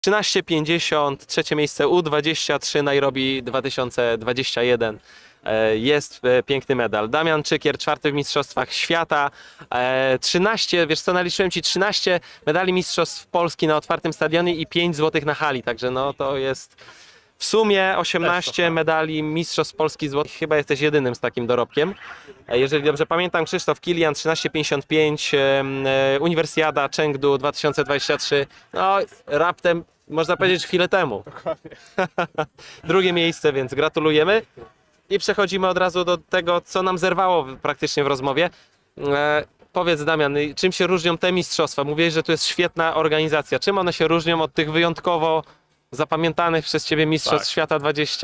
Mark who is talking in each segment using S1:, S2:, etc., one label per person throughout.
S1: 13,50, trzecie miejsce U23 Nairobi 2021. Jest piękny medal. Damian Czykier, czwarty w Mistrzostwach Świata. 13, wiesz co, naliczyłem ci 13 medali Mistrzostw Polski na otwartym stadionie i 5 złotych na hali, także no to jest w sumie 18 medali Mistrzostw Polski złotych. Chyba jesteś jedynym z takim dorobkiem. Jeżeli dobrze pamiętam, Krzysztof Kilian 13,55, Uniwersjada Chengdu 2023. No raptem, można powiedzieć, chwilę temu. Drugie miejsce, więc gratulujemy. I przechodzimy od razu do tego, co nam zerwało praktycznie w rozmowie. Powiedz, Damian, czym się różnią te mistrzostwa? Mówiłeś, że to jest świetna organizacja. Czym one się różnią od tych wyjątkowo zapamiętanych przez Ciebie Mistrzostw Świata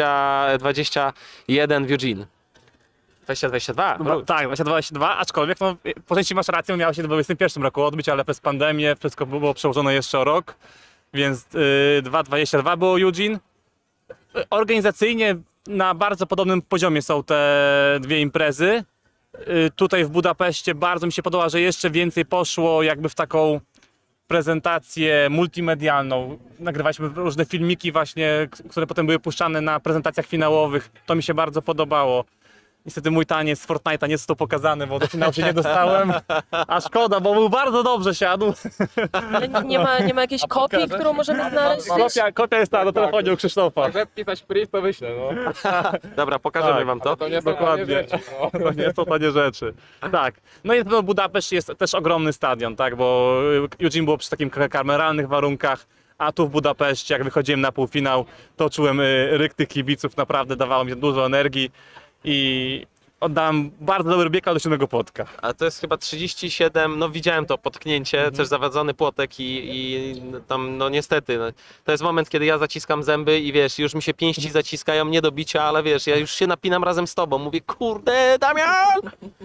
S1: 2021 w Eugene? 2022?
S2: No, tak, 2022, aczkolwiek no, po części masz rację, miało się w 2021 roku odbyć, ale przez pandemię wszystko było przełożone jeszcze o rok, więc 2022 było Eugene. Organizacyjnie na bardzo podobnym poziomie są te dwie imprezy. Tutaj w Budapeszcie bardzo mi się podoba, że jeszcze więcej poszło jakby w taką prezentację multimedialną. Nagrywaliśmy różne filmiki właśnie, które potem były puszczane na prezentacjach finałowych. To mi się bardzo podobało. Niestety mój taniec z Fortnite'a nie został pokazany, bo do finału się nie dostałem. A szkoda, bo był bardzo dobrze siadł.
S3: Ale nie ma jakiejś kopii, którą możemy znaleźć?
S2: Kopia jest ta na telefonie u Krzysztofa.
S4: Także pisać priv to wyślę, no.
S1: Dobra, pokażemy
S2: Tak.
S1: Wam to.
S4: To nie są
S2: Dokładnie.
S4: tanie rzeczy, no.
S2: To nie są tanie rzeczy. Tak. No i na pewno Budapeszt jest też ogromny stadion, tak, bo Eugene było przy takim kameralnych warunkach, a tu w Budapeszcie, jak wychodziłem na półfinał, to czułem ryk tych kibiców, naprawdę dawało mi dużo energii i oddałem bardzo dobry bieg do 7 płotka.
S1: A to jest chyba 37, no widziałem to potknięcie, też zawadzony płotek i tam no niestety, no, to jest moment, kiedy ja zaciskam zęby i wiesz, już mi się pięści zaciskają nie do bicia, ale wiesz, ja już się napinam razem z tobą, mówię kurde Damian!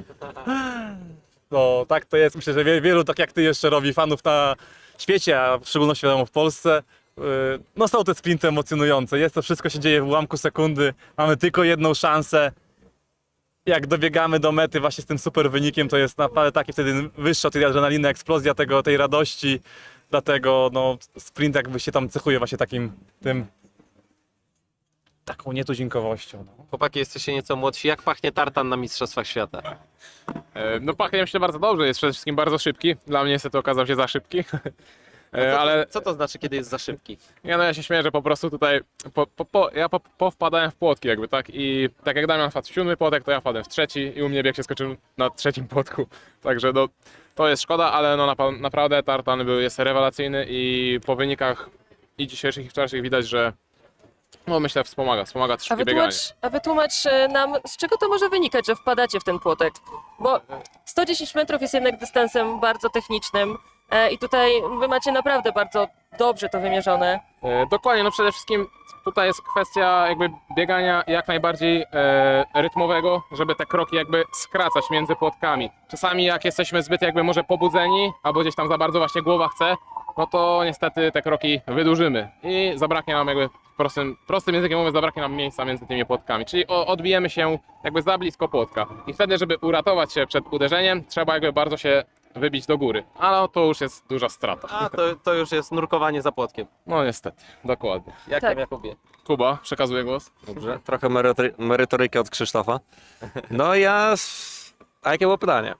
S2: No tak to jest, myślę, że wielu tak jak ty jeszcze robi fanów na świecie, a w szczególności wiadomo w Polsce. No są te sprinty emocjonujące, jest to wszystko się dzieje w ułamku sekundy, mamy tylko jedną szansę. Jak dobiegamy do mety właśnie z tym super wynikiem, to jest naprawdę taki wtedy wyższa tej adrenaliny, eksplozja tej radości. Dlatego no, sprint jakby się tam cechuje właśnie taką nietuzinkowością. No.
S1: Chłopaki, jesteście nieco młodsi, jak pachnie tartan na Mistrzostwach Świata?
S4: No pachnie myślę bardzo dobrze, jest przede wszystkim bardzo szybki. Dla mnie niestety okazał się za szybki. Ale
S1: Co to znaczy, kiedy jest za szybki?
S4: ja się śmieję, że po prostu tutaj ja powpadałem w płotki jakby, tak? I tak jak Damian wpadł w 7 płotek, to ja wpadłem w trzeci i u mnie bieg się skoczył na trzecim płotku. Także no, to jest szkoda, ale no naprawdę tartan jest rewelacyjny i po wynikach i dzisiejszych i wczorajszych widać, że no myślę wspomaga szybkie bieganie.
S3: A wytłumacz nam, z czego to może wynikać, że wpadacie w ten płotek? Bo 110 metrów jest jednak dystansem bardzo technicznym i tutaj wy macie naprawdę bardzo dobrze to wymierzone.
S4: Dokładnie, no przede wszystkim tutaj jest kwestia jakby biegania jak najbardziej rytmowego, żeby te kroki jakby skracać między płotkami. Czasami jak jesteśmy zbyt jakby może pobudzeni, albo gdzieś tam za bardzo właśnie głowa chce, no to niestety te kroki wydłużymy i zabraknie nam jakby prostym językiem mówiąc, zabraknie nam miejsca między tymi płotkami, czyli odbijemy się jakby za blisko płotka i wtedy, żeby uratować się przed uderzeniem, trzeba jakby bardzo się wybić do góry, ale to już jest duża strata.
S1: A, to już jest nurkowanie za płotkiem.
S4: No niestety, dokładnie.
S1: Jak
S3: Tak.
S1: tam, Jakubie?
S4: Kuba, przekazuję głos.
S5: Dobrze, trochę merytoryki od Krzysztofa. No a jakie było pytanie?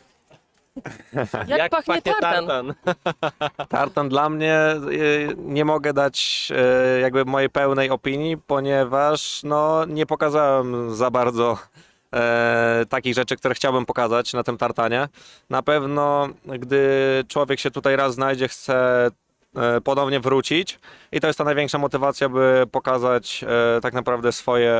S3: Jak pachnie tartan?
S5: Tartan dla mnie nie mogę dać jakby mojej pełnej opinii, ponieważ no nie pokazałem za bardzo takich rzeczy, które chciałbym pokazać na tym tartanie. Na pewno, gdy człowiek się tutaj raz znajdzie, chce ponownie wrócić i to jest ta największa motywacja, by pokazać tak naprawdę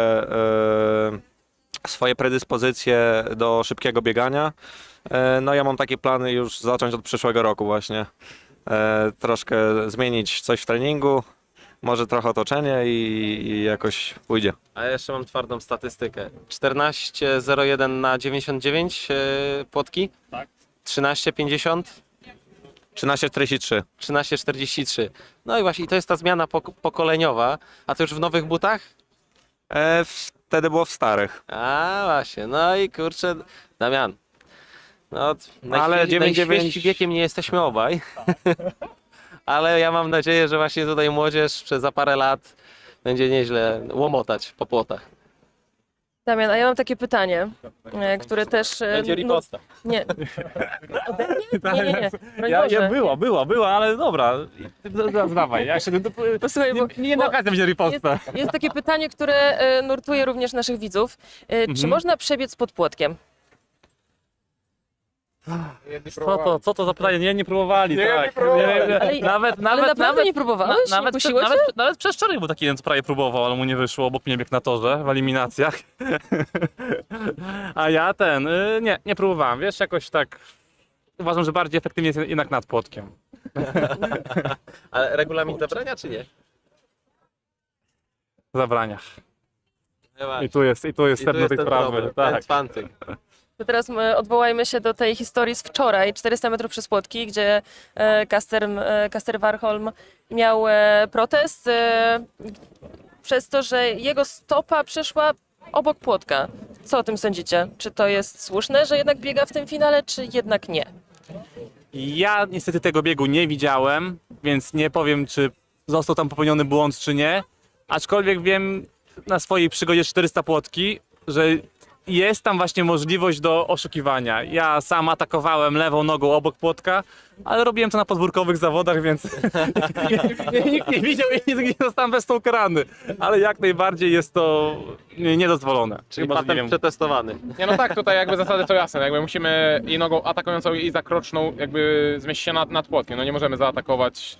S5: swoje predyspozycje do szybkiego biegania. No ja mam takie plany już zacząć od przyszłego roku właśnie. Troszkę zmienić coś w treningu, może trochę otoczenie i jakoś pójdzie.
S1: A ja jeszcze mam twardą statystykę. 14,01 na 99 płotki.
S2: Tak.
S1: 13,50.
S5: 13:43.
S1: 13,43. No i właśnie, to jest ta zmiana pokoleniowa. A to już w nowych butach?
S5: Wtedy było w starych.
S1: A właśnie, no i kurczę, Damian. No,
S5: Ale 9,9
S1: najświeższym wiekiem nie jesteśmy obaj. ale ja mam nadzieję, że właśnie tutaj młodzież za parę lat będzie nieźle łomotać po płotach.
S3: Damian, a ja mam takie pytanie, które też...
S1: Będzie riposta.
S3: Nie. Ode mnie? Nie, nie, nie. Broń
S2: Ja,
S3: Boże.
S2: była, ale dobra. Dawaj, ja jeszcze
S3: Posłuchaj, bo,
S2: nie
S3: bo
S2: okazja będzie riposta.
S3: jest takie pytanie, które nurtuje również naszych widzów. Czy można przebiec pod płotkiem?
S2: Co to za pytanie? Nie próbowali, tak.
S4: nie próbowali.
S3: Ale- Ale naprawdę nie próbowałeś? Nie kusiło cię?
S2: nawet przez wczoraj był taki jeden, co prawie próbował, ale mu nie wyszło, obok mnie biegł na torze w eliminacjach. A ja nie próbowałem, wiesz, jakoś tak uważam, że bardziej efektywnie jest jednak nad płotkiem.
S1: Ale regulamin zabrania czy nie?
S2: W zabraniach.
S1: Chyba.
S2: I tu jest
S1: I tu
S2: sedno
S1: jest
S2: tej
S1: ten
S2: sprawy.
S1: problem,
S2: Tak.
S1: ten cwantyk.
S3: To teraz odwołajmy się do tej historii z wczoraj, 400 metrów przez płotki, gdzie Kasper Warholm miał protest przez to, że jego stopa przeszła obok płotka. Co o tym sądzicie? Czy to jest słuszne, że jednak biega w tym finale, czy jednak nie?
S2: Ja niestety tego biegu nie widziałem, więc nie powiem, czy został tam popełniony błąd, czy nie. Aczkolwiek wiem na swojej przygodzie 400 płotki, że jest tam właśnie możliwość do oszukiwania. Ja sam atakowałem lewą nogą obok płotka, ale robiłem to na podwórkowych zawodach, więc nikt nie widział i nie zostałem bez tą karany. Ale jak najbardziej jest to niedozwolone.
S1: Czyli
S2: Chyba, że nie
S1: patent
S2: wiem.
S1: przetestowany.
S4: Nie, no tak, tutaj jakby zasady są jasne, jakby musimy i nogą atakującą i zakroczną jakby zmieścić się nad płotkiem, no nie możemy zaatakować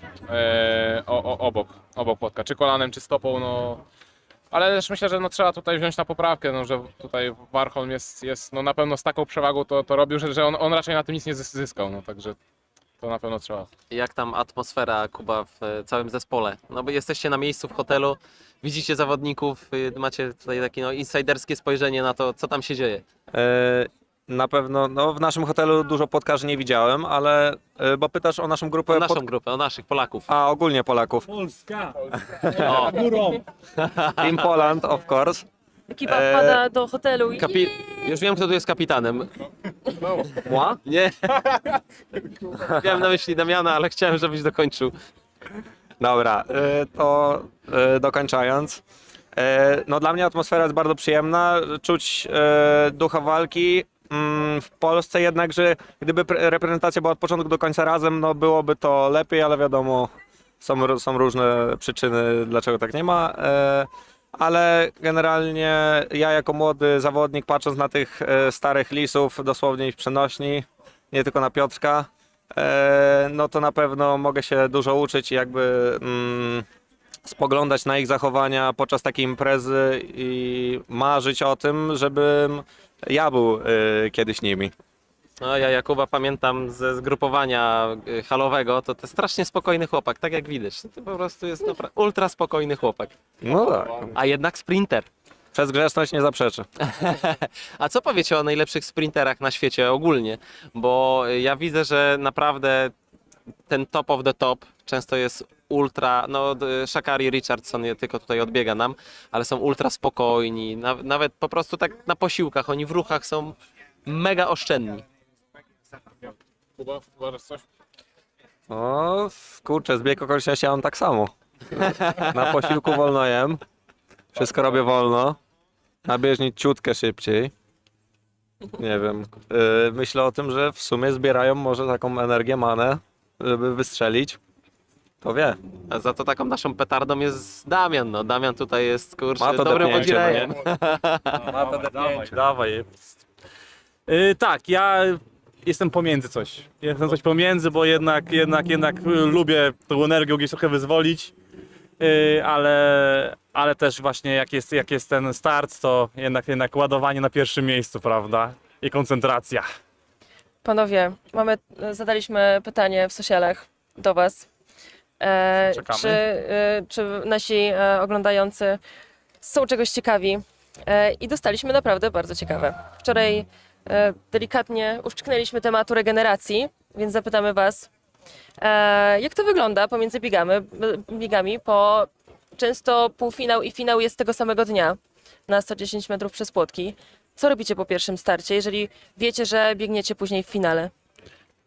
S4: obok płotka, czy kolanem, czy stopą, no. Ale też myślę, że no, trzeba tutaj wziąć na poprawkę, no, że tutaj Warholm jest no, na pewno z taką przewagą to robił, że on raczej na tym nic nie zyskał, no także to na pewno trzeba.
S1: Jak tam atmosfera, Kuba, w całym zespole? No bo jesteście na miejscu w hotelu, widzicie zawodników, macie tutaj takie no, insiderskie spojrzenie na to, co tam się dzieje.
S5: Na pewno, no w naszym hotelu dużo płotkarzy nie widziałem, ale, bo pytasz o naszą grupę,
S1: O naszą grupę, o naszych Polaków.
S5: a ogólnie Polaków.
S2: Polska!
S1: O,
S5: Team Poland, of course.
S3: Ekipa wpada do hotelu i
S1: już wiem, kto tu jest kapitanem.
S5: Moi?
S1: Nie. Miałem na myśli Damiana, ale chciałem, żebyś dokończył.
S5: Dobra, to dokończając. No dla mnie atmosfera jest bardzo przyjemna, czuć ducha walki. W Polsce jednakże, gdyby reprezentacja była od początku do końca razem, no byłoby to lepiej, ale wiadomo, są różne przyczyny, dlaczego tak nie ma. Ale generalnie ja jako młody zawodnik, patrząc na tych starych lisów, dosłownie ich przenośni, nie tylko na Piotrka, no to na pewno mogę się dużo uczyć i jakby spoglądać na ich zachowania podczas takiej imprezy i marzyć o tym, żebym ja był kiedyś nimi.
S1: No ja Jakuba pamiętam ze zgrupowania halowego, to strasznie spokojny chłopak, tak jak widać. To po prostu jest ultra spokojny chłopak.
S5: No tak.
S1: A jednak sprinter.
S5: Przez grzeczność nie zaprzeczy.
S1: A co powiecie o najlepszych sprinterach na świecie ogólnie? Bo ja widzę, że naprawdę ten top of the top często jest ultra, no Sha'Carri Richardson tylko tutaj odbiega nam, ale są ultra spokojni, nawet po prostu tak na posiłkach, oni w ruchach są mega oszczędni.
S4: Kuba, uważasz coś?
S5: O, kurczę, zbieg okoliczności ja mam tak samo. Na posiłku wolno jem, wszystko robię wolno, na bieżni ciutkę szybciej. Nie wiem, myślę o tym, że w sumie zbierają może taką energię, manę, żeby wystrzelić. To wie.
S1: A za to taką naszą petardą jest Damian, no Damian tutaj jest, kurczę,
S5: Ma to
S1: dobrym
S5: depnięcie, no
S1: podzirejem.
S2: Dawaj. Tak, ja jestem pomiędzy coś. Jestem coś pomiędzy, bo jednak lubię tą energię gdzieś trochę wyzwolić, ale też właśnie jak jest ten start, to jednak ładowanie na pierwszym miejscu, prawda? I koncentracja.
S3: panowie, zadaliśmy pytanie w socialach do was.
S2: Czekamy.
S3: Czy nasi oglądający są czegoś ciekawi? I dostaliśmy naprawdę bardzo ciekawe. Wczoraj delikatnie uszczknęliśmy tematu regeneracji, więc zapytamy was, jak to wygląda pomiędzy biegami, bo często półfinał i finał jest tego samego dnia na 110 metrów przez płotki. Co robicie po pierwszym starcie, jeżeli wiecie, że biegniecie później w finale?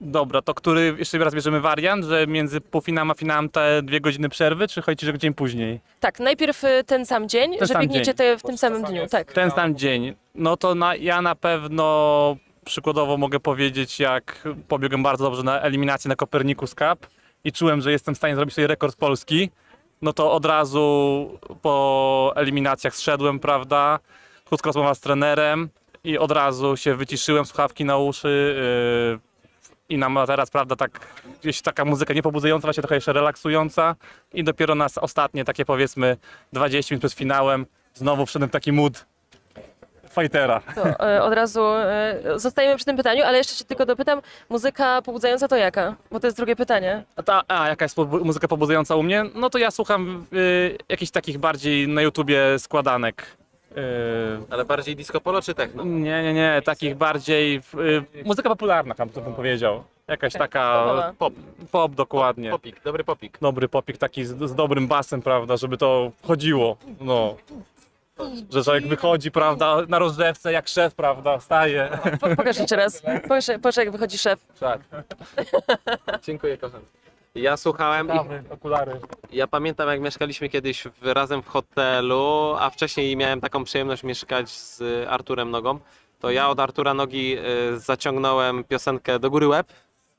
S2: Dobra, to który jeszcze raz bierzemy wariant, że między półfinałem a finałem te 2 godziny przerwy, czy chodzi, że dzień później?
S3: Tak, najpierw ten sam dzień, że
S2: sam
S3: biegniecie
S2: dzień.
S3: te w tym samym dniu, tak.
S2: Ten sam dzień. No to ja na pewno przykładowo mogę powiedzieć, jak pobiegłem bardzo dobrze na eliminację na Copernicus Cup i czułem, że jestem w stanie zrobić sobie rekord Polski, no to od razu po eliminacjach zszedłem, prawda, krótka rozmowa z trenerem i od razu się wyciszyłem, słuchawki na uszy i na materac, prawda, tak gdzieś taka muzyka niepobudzająca, właśnie trochę jeszcze relaksująca i dopiero na ostatnie takie powiedzmy 20 minut przed finałem znowu wszedłem w taki mood fightera.
S3: To od razu zostajemy przy tym pytaniu, ale jeszcze cię tylko dopytam, muzyka pobudzająca to jaka? Bo to jest drugie pytanie.
S2: Jaka jest muzyka pobudzająca u mnie? No to ja słucham jakichś takich bardziej na YouTubie składanek.
S1: Ale bardziej disco polo czy techno?
S2: Nie, takich bardziej muzyka popularna, tam to bym powiedział. Jakaś taka
S3: Popowa.
S2: pop dokładnie.
S1: Popik, dobry popik.
S2: Dobry popik taki z dobrym basem, prawda, żeby to chodziło. No. Że człowiek wychodzi, prawda, na rozgrzewce jak szef, prawda, staje.
S3: Pokaż jeszcze raz. Pokaż jak wychodzi szef.
S2: Tak.
S1: Dziękuję, kochany. Ja słuchałem i
S2: Okulary.
S1: ja pamiętam, jak mieszkaliśmy kiedyś razem w hotelu, a wcześniej miałem taką przyjemność mieszkać z Arturem Nogą. To ja od Artura Nogi zaciągnąłem piosenkę Do góry łeb.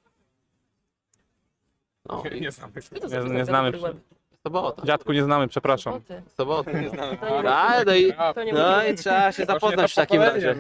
S1: No i
S2: Nie znamy.
S1: sobota.
S2: Dziadku nie znamy, przepraszam.
S1: Sobota. No i, no i trzeba się zapoznać w takim razie.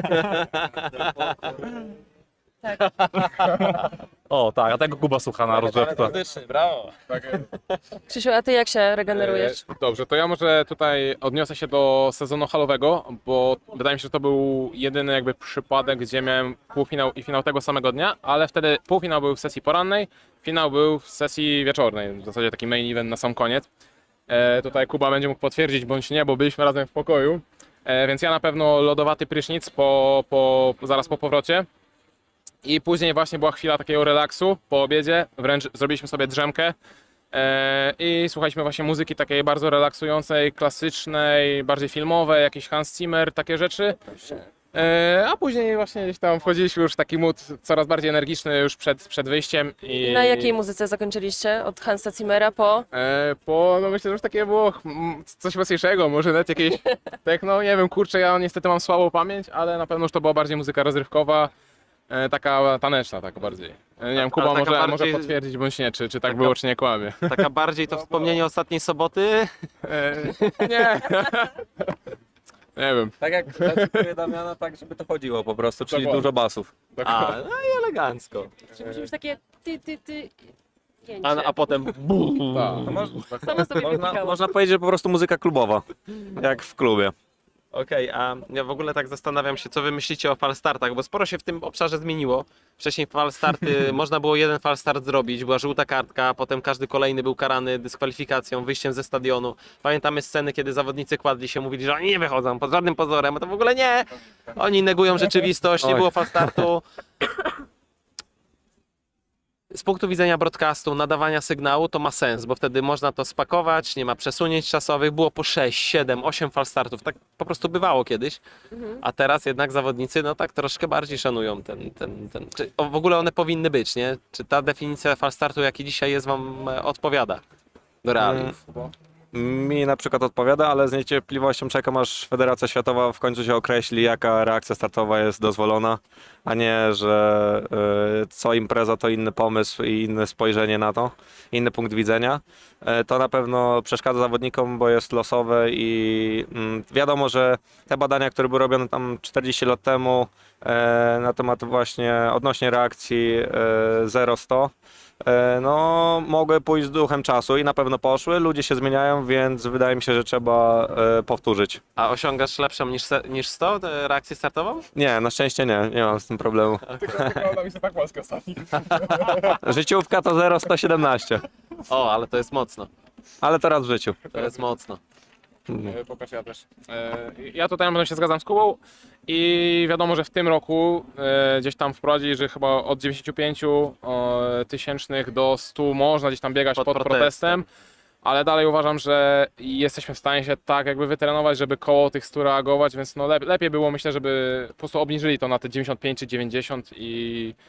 S2: O tak, a tego Kuba słucha na rozgrzewce.
S1: Brawo.
S3: Krzysiu, a ty jak się regenerujesz?
S4: Dobrze, to ja może tutaj odniosę się do sezonu halowego, bo wydaje mi się, że to był jedyny jakby przypadek, gdzie miałem półfinał i finał tego samego dnia, ale wtedy półfinał był w sesji porannej, finał był w sesji wieczornej, w zasadzie taki main event na sam koniec. Tutaj Kuba będzie mógł potwierdzić bądź nie, bo byliśmy razem w pokoju, więc ja na pewno lodowaty prysznic zaraz po powrocie. I później właśnie była chwila takiego relaksu po obiedzie, wręcz zrobiliśmy sobie drzemkę i słuchaliśmy właśnie muzyki takiej bardzo relaksującej, klasycznej, bardziej filmowej, jakiś Hans Zimmer, takie rzeczy. A później właśnie gdzieś tam wchodziliśmy już w taki mood coraz bardziej energiczny już przed wyjściem. I
S3: Na jakiej muzyce zakończyliście? Od Hansa Zimmera po?
S4: no myślę, że już takie było coś weselszego, może nawet jakieś techno, nie wiem, kurczę, ja niestety mam słabą pamięć, ale na pewno już to była bardziej muzyka rozrywkowa. Taka taneczna, tak bardziej. Nie wiem, Kuba
S1: taka
S4: może
S1: bardziej-
S4: potwierdzić bądź nie, czy tak
S1: taka-
S4: było, czy nie kłamie.
S1: Taka bardziej to wspomnienie ostatniej soboty.
S4: Nie. Nie wiem.
S5: Tak jak zacytuję Damiana, tak żeby to chodziło po prostu, czyli
S4: Dokładnie.
S5: dużo basów.
S1: A, no i elegancko.
S3: Czy musi być takie ty.
S1: A potem
S4: Tak.
S3: Samo sobie
S5: Można,
S3: wypikało.
S5: można powiedzieć, że po prostu muzyka klubowa, jak w klubie.
S1: Okej, a ja w ogóle tak zastanawiam się, co wy myślicie o falstartach, bo sporo się w tym obszarze zmieniło. Wcześniej falstarty, można było jeden falstart zrobić, była żółta kartka, a potem każdy kolejny był karany dyskwalifikacją, wyjściem ze stadionu. Pamiętamy sceny, kiedy zawodnicy kładli się, mówili, że oni nie wychodzą pod żadnym pozorem, a to w ogóle nie. Oni negują rzeczywistość, nie
S5: Oj.
S1: było falstartu. Z punktu widzenia broadcastu, nadawania sygnału, to ma sens, bo wtedy można to spakować, nie ma przesunięć czasowych, było po 6, 7, 8 falstartów, tak po prostu bywało kiedyś, a teraz jednak zawodnicy no tak troszkę bardziej szanują ten. Czy w ogóle one powinny być, nie? Czy ta definicja falstartu, jaki dzisiaj jest, wam odpowiada do realiów?
S5: Mi na przykład odpowiada, ale z niecierpliwością czekam, aż Federacja Światowa w końcu się określi, jaka reakcja startowa jest dozwolona, a nie, że co impreza to inny pomysł i inne spojrzenie na to, inny punkt widzenia. To na pewno przeszkadza zawodnikom, bo jest losowe i wiadomo, że te badania, które były robione tam 40 lat temu na temat właśnie odnośnie reakcji 0-100, no mogły pójść z duchem czasu i na pewno poszły, ludzie się zmieniają, więc wydaje mi się, że trzeba powtórzyć.
S1: A osiągasz lepszą niż 100 reakcję startową?
S5: Nie, na szczęście nie mam z tym problemu.
S4: Wygląda mi się tak łaska ostatni.
S5: Życiówka to 0,117,
S1: O, ale to jest mocno,
S5: ale to raz w życiu.
S1: to jest mocno.
S4: Pokaż ja też. Ja tutaj na pewno się zgadzam z Kubą i wiadomo, że w tym roku gdzieś tam wprowadzili, że chyba od 95 tysięcznych do 100 można gdzieś tam biegać
S1: Pod
S4: pod protestem. Ale dalej uważam, że jesteśmy w stanie się tak jakby wytrenować, żeby koło tych 100 reagować, więc no lepiej było, myślę, żeby po prostu obniżyli to na te 95 czy 90 i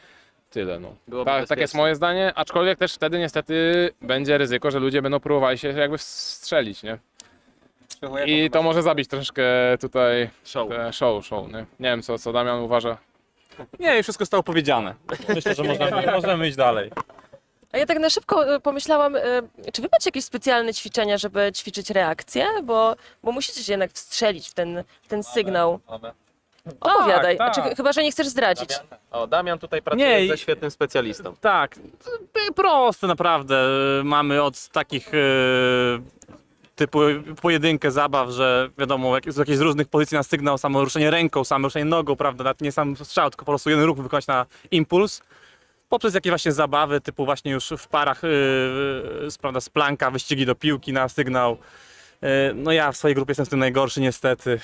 S4: tyle. No.
S1: Byłoby
S4: Tak jest
S1: bezpiecznie.
S4: moje zdanie, aczkolwiek też wtedy niestety będzie ryzyko, że ludzie będą próbowali się jakby strzelić, nie? I to może zabić troszeczkę tutaj
S1: Show.
S4: show, nie? Nie wiem co Damian uważa.
S2: Nie, i wszystko zostało powiedziane. Myślę, że możemy iść dalej.
S3: A ja tak na szybko pomyślałam, czy wy macie jakieś specjalne ćwiczenia, żeby ćwiczyć reakcję? Bo musicie się jednak wstrzelić w ten sygnał. Opowiadaj,
S2: tak.
S3: Znaczy, chyba że nie chcesz zdradzić.
S1: O, Damian tutaj pracuje
S2: Nie,
S1: ze świetnym specjalistą.
S2: Tak, proste naprawdę. Mamy od takich typu pojedynkę zabaw, że wiadomo, z jakichś różnych pozycji na sygnał, samo ruszenie ręką, samo ruszenie nogą, prawda, nawet nie sam strzał, tylko po prostu jeden ruch wykonać na impuls. Poprzez jakieś właśnie zabawy, typu właśnie już w parach, prawda, z planka, wyścigi do piłki na sygnał. No ja w swojej grupie jestem w tym najgorszy niestety.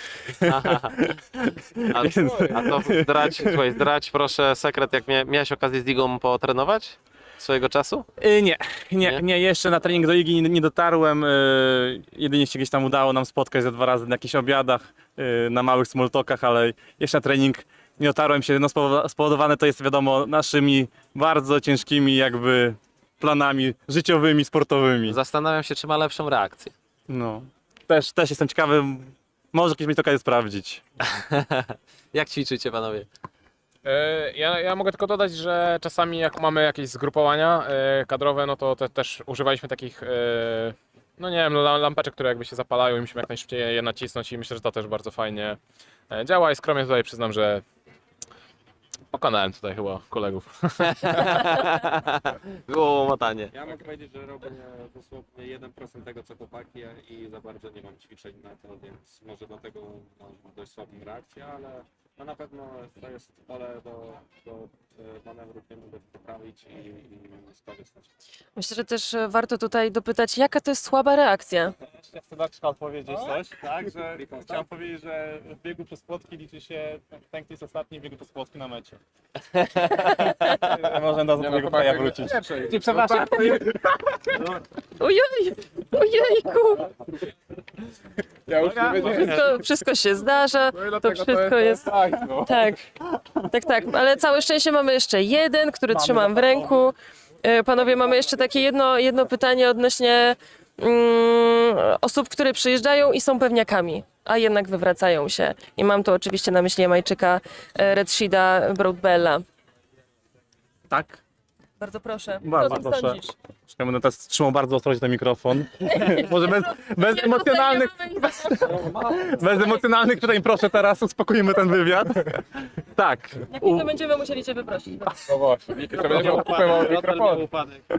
S1: A to zdradź proszę sekret, jak miałeś okazję z Igą potrenować swojego czasu?
S2: Nie, jeszcze na trening do Igi nie dotarłem. Jedynie się gdzieś tam udało nam spotkać ze 2 razy na jakichś obiadach, na małych smalltalkach, ale jeszcze na trening nie dotarłem się. No spowodowane to jest wiadomo naszymi bardzo ciężkimi jakby planami życiowymi, sportowymi.
S1: Zastanawiam się, czy ma lepszą reakcję.
S2: No. Też jestem ciekawy, może kiedyś mieć okazję sprawdzić.
S1: Jak ćwiczycie, panowie?
S4: Ja mogę tylko dodać, że czasami jak mamy jakieś zgrupowania kadrowe, no to też używaliśmy takich, no nie wiem, lampeczek, które jakby się zapalają i musimy jak najszybciej je nacisnąć i myślę, że to też bardzo fajnie działa i skromnie tutaj przyznam, że pokonałem tutaj chyba kolegów.
S1: Było łomotanie.
S5: Ja mogę powiedzieć, że robię dosłownie 1% tego co chłopaki i za bardzo nie mam ćwiczeń na to, więc może dlatego mam dość słabą reakcję, ale no na pewno to jest pole do manewru, nie mogę poprawić i skorzystać.
S3: Myślę, że też warto tutaj dopytać, jaka to jest słaba reakcja.
S2: Ja chcę Darczka odpowiedzieć coś, tak, że chciałem powiedzieć, że w biegu przez płotki liczy się ten, kto jest ostatni w biegu przez płotki na mecie. Można do tego kraja wrócić. Przepraszam.
S3: Ojej, ojejku,
S4: Ja już nie wiedziałem.
S3: wszystko się zdarza,
S4: No i
S3: to
S4: dlatego
S3: wszystko jest...
S4: no.
S3: Tak, ale całe szczęście mamy jeszcze jeden, który trzymam w ręku. Panowie, mamy jeszcze takie jedno pytanie odnośnie osób, które przyjeżdżają i są pewniakami, a jednak wywracają się. I mam tu oczywiście na myśli Jamajczyka Redsheeda Broadbella.
S2: Tak?
S3: Bardzo proszę,
S2: Bardzo
S3: co o tym
S2: proszę.
S3: sądzisz?
S2: Ja będę teraz trzymał bardzo ostrożnie ten mikrofon. Może bez emocjonalnych pytań proszę teraz, uspokójmy ten wywiad. Tak.
S3: Jak nie, to będziemy musieli cię wyprosić.
S4: No właśnie, to będzie kupował mikrofon.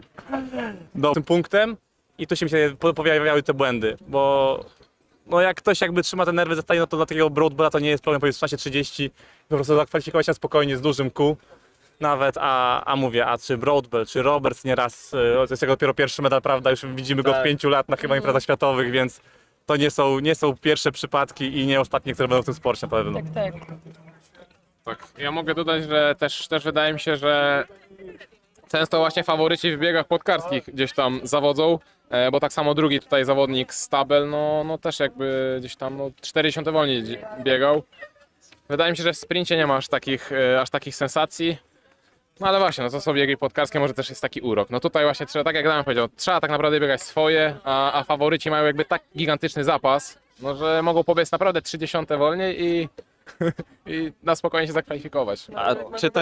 S2: Do tym punktem i tu się pojawiały te błędy, bo no jak ktoś jakby trzyma te nerwy zostaje, no to dla takiego Broadbella to nie jest problem, powiedz w czasie 30, po prostu zakwalifikować się spokojnie z dużym kół. Nawet, a mówię, a czy Broadbell, czy Roberts nieraz, to jest jego dopiero pierwszy medal, prawda, już widzimy go od 5 lat na chyba imprezach światowych, więc to nie są pierwsze przypadki i nie ostatnie, które będą w tym sporcie na pewno.
S3: Tak.
S4: Tak, ja mogę dodać, że też wydaje mi się, że często właśnie faworyci w biegach płotkarskich gdzieś tam zawodzą, bo tak samo drugi tutaj zawodnik Stabel, no też jakby gdzieś tam 40 wolniej biegał. Wydaje mi się, że w sprincie nie ma aż takich sensacji. No ale właśnie, no to są biegi płotkarskie, może też jest taki urok. No tutaj właśnie trzeba, tak jak Damian powiedział, trzeba tak naprawdę biegać swoje, a faworyci mają jakby tak gigantyczny zapas, no że mogą pobiec naprawdę 30 wolniej i na spokojnie się zakwalifikować.
S1: A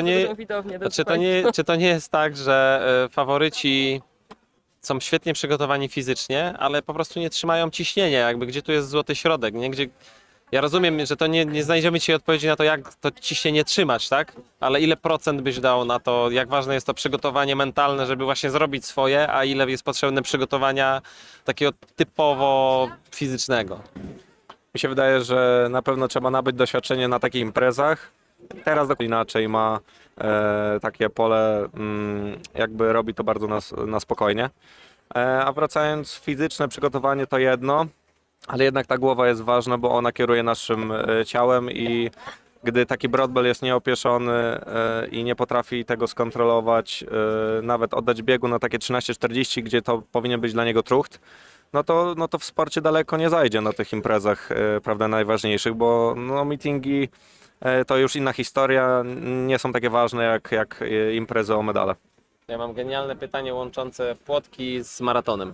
S1: czy to nie jest tak, że faworyci są świetnie przygotowani fizycznie, ale po prostu nie trzymają ciśnienia, jakby gdzie tu jest złoty środek, nie? Ja rozumiem, że to nie znajdziemy dzisiaj odpowiedzi na to, jak to ciśnienie trzymać, tak? Ale ile procent byś dał na to, jak ważne jest to przygotowanie mentalne, żeby właśnie zrobić swoje, a ile jest potrzebne przygotowania takiego typowo fizycznego?
S5: Mi się wydaje, że na pewno trzeba nabyć doświadczenie na takich imprezach. Teraz inaczej ma takie pole, jakby robi to bardzo na spokojnie. A wracając, fizyczne przygotowanie to jedno, ale jednak ta głowa jest ważna, bo ona kieruje naszym ciałem i gdy taki Broadbell jest nieopieszony i nie potrafi tego skontrolować, nawet oddać biegu na takie 13:40, gdzie to powinien być dla niego trucht, no to w sporcie daleko nie zajdzie na tych imprezach, prawda, najważniejszych, bo no, meetingi to już inna historia, nie są takie ważne jak imprezy o medale.
S1: Ja mam genialne pytanie łączące płotki z maratonem.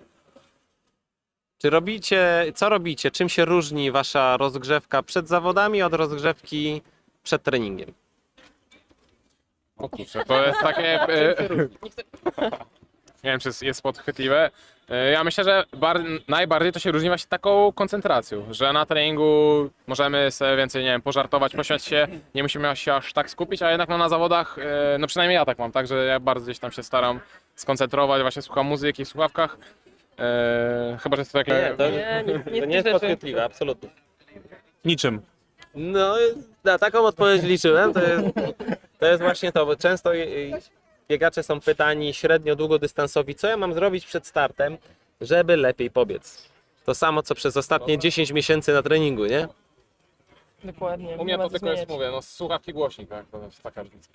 S1: Co robicie? Czym się różni wasza rozgrzewka przed zawodami od rozgrzewki przed treningiem?
S4: O kurczę, to jest takie... Nie wiem, czy jest podchwytliwe. Ja myślę, że najbardziej to się różni właśnie taką koncentracją, że na treningu możemy sobie więcej, nie wiem, pożartować, pośmiać się, nie musimy się aż tak skupić, a jednak no, na zawodach, no przynajmniej ja tak mam, tak, że ja bardzo gdzieś tam się staram skoncentrować, właśnie słucham muzyki w słuchawkach. Chyba, że jest to takie...
S1: Nie, to
S3: Nie,
S1: to nie jest podchwytliwe, absolutnie.
S2: Niczym.
S1: No, na taką odpowiedź liczyłem. To jest właśnie to, bo często biegacze są pytani średnio długodystansowi, co ja mam zrobić przed startem, żeby lepiej pobiec. To samo, co przez ostatnie 10 miesięcy na treningu, nie?
S3: Dokładnie.
S4: U mnie
S3: nie ma
S4: to
S3: co
S4: tylko jest,
S3: zmieniać.
S4: mówię, no słuchawki głośnik, tak, to jest taka różnica.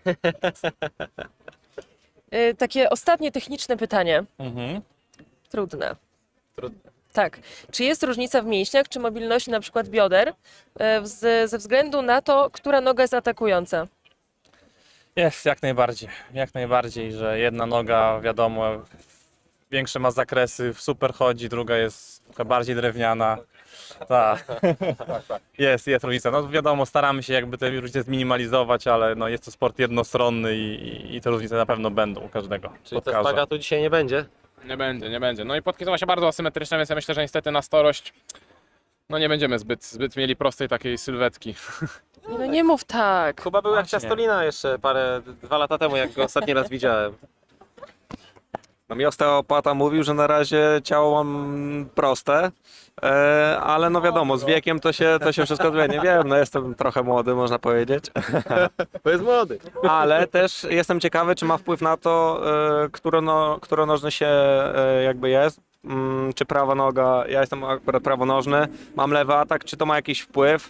S3: Takie ostatnie techniczne pytanie.
S2: Mhm.
S3: Trudne.
S1: Trudne.
S3: Tak. Czy jest różnica w mięśniach, czy mobilności na przykład bioder ze względu na to, która noga jest atakująca?
S2: Jest, jak najbardziej, że jedna noga, wiadomo, większe ma zakresy, super chodzi, druga jest trochę bardziej drewniana. Tak, jest różnica. No wiadomo, staramy się jakby te różnice zminimalizować, ale no, jest to sport jednostronny i te różnice na pewno będą u każdego.
S1: Czyli to
S2: podkarza.
S1: szpagatu dzisiaj nie będzie?
S4: Nie będzie. No i płotki są właśnie bardzo asymetryczne, więc ja myślę, że niestety na starość no nie będziemy zbyt mieli prostej takiej sylwetki.
S3: No nie mów tak.
S1: Kuba był jak
S2: Właśnie.
S1: Ciastolina jeszcze 2 lata temu, jak go ostatni raz widziałem.
S5: No mi osteopata mówił, że na razie ciało mam proste, ale no wiadomo, z wiekiem to się wszystko zmieni. Wiem, no jestem trochę młody, można powiedzieć.
S1: To jest młody.
S5: Ale też jestem ciekawy, czy ma wpływ na to, któronożny się jakby jest. Czy prawa noga, ja jestem akurat prawonożny, mam lewy atak, czy to ma jakiś wpływ?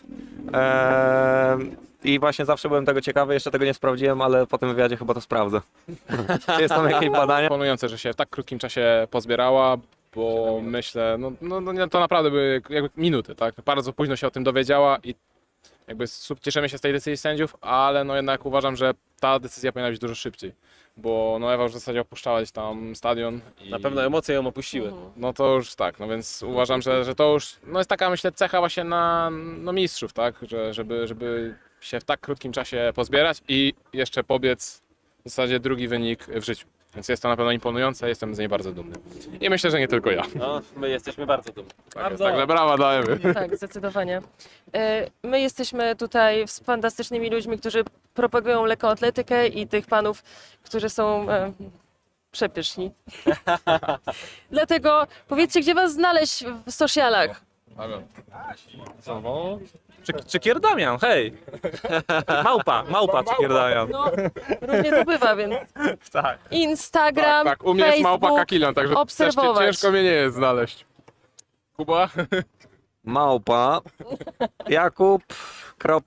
S5: I właśnie zawsze byłem tego ciekawy, jeszcze tego nie sprawdziłem, ale po tym wywiadzie chyba to sprawdzę. Czy jest tam jakieś badania?
S4: Imponujące, że się w tak krótkim czasie pozbierała, bo myślę, no to naprawdę były jakby minuty, tak? Bardzo późno się o tym dowiedziała i jakby cieszymy się z tej decyzji sędziów, ale no jednak uważam, że ta decyzja powinna być dużo szybciej, bo no Ewa już w zasadzie opuszczała gdzieś tam stadion. I...
S1: Na pewno emocje ją opuściły.
S4: No to już tak, no więc uważam, że to już no jest taka, myślę, cecha właśnie na no mistrzów, tak? Żeby się w tak krótkim czasie pozbierać i jeszcze pobiec w zasadzie drugi wynik w życiu. Więc jest to na pewno imponujące, jestem z niej bardzo dumny. I myślę, że nie tylko ja.
S1: No, my jesteśmy bardzo dumni.
S4: Tak jest, także brawa dajemy.
S3: Tak, zdecydowanie. My jesteśmy tutaj z fantastycznymi ludźmi, którzy propagują lekkoatletykę i tych panów, którzy są przepyszni. Dlatego powiedzcie, gdzie was znaleźć w socialach?
S2: Czykier Damian, hej! Małpa Czykier Damian.
S3: No, różnie to bywa, więc
S2: Tak.
S3: Instagram,
S4: Tak, u mnie jest małpa
S3: Facebook,
S4: Kakilion, także
S3: obserwować.
S4: ciężko mnie nie jest znaleźć. Kuba?
S5: Małpa, Jakub,